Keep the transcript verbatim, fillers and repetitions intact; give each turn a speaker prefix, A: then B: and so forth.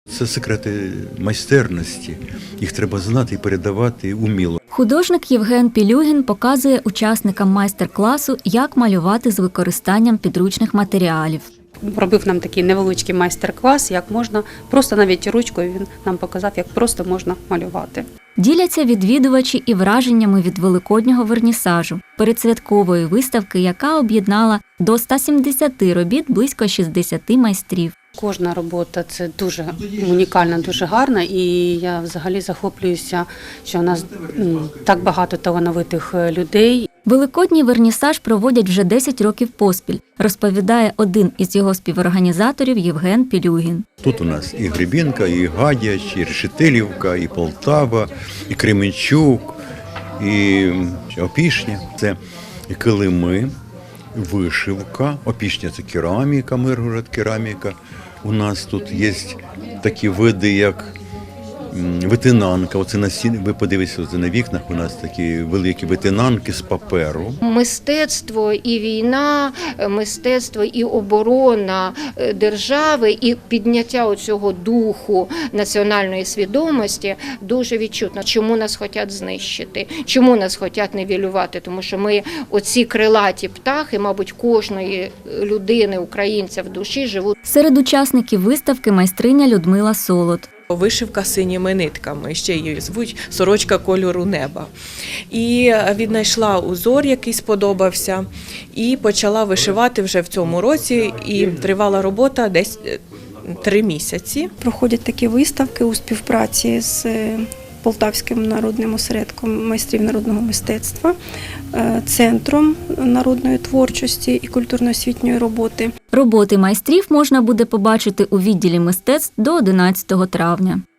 A: Це секрети майстерності. Їх треба знати і передавати уміло.
B: Художник Євген Пілюгін показує учасникам майстер-класу, як малювати з використанням підручних матеріалів.
C: Робив нам такий невеличкий майстер-клас, як можна, просто навіть ручкою він нам показав, як просто можна малювати.
B: Діляться відвідувачі і враженнями від великоднього вернісажу, передсвяткової виставки, яка об'єднала до ста сімдесяти робіт близько шістдесяти майстрів.
C: Кожна робота – це дуже унікальна, дуже гарна, і я взагалі захоплююся, що у нас так багато талановитих людей.
B: Великодній вернісаж проводять вже десять років поспіль, розповідає один із його співорганізаторів Євген Пілюгін.
A: Тут у нас і Гребінка, і Гадяч, і Решетилівка, і Полтава, і Кременчук, і Опішня. Це килими, вишивка. Опішня – це кераміка, Миргород – кераміка. У нас тут є такі види, як витинанка. Оце на стіні, ви подивіться, оце на вікнах у нас такі великі витинанки з паперу.
D: Мистецтво і війна, мистецтво і оборона держави, і підняття оцього духу національної свідомості дуже відчутно. Чому нас хочуть знищити? Чому нас хочуть нівелювати? Тому що ми оці крилаті птахи, мабуть, кожної людини, українця в душі живуть.
B: Серед учасників виставки майстриня Людмила Солод.
E: Вишивка синіми нитками, ще її звуть сорочка кольору неба. І віднайшла узор, який сподобався, і почала вишивати вже в цьому році, і тривала робота десь три місяці.
F: Проходять такі виставки у співпраці з Полтавським народним осередком майстрів народного мистецтва, Центром народної творчості і культурно-освітньої роботи.
B: Роботи майстрів можна буде побачити у відділі мистецтв до одинадцятого травня.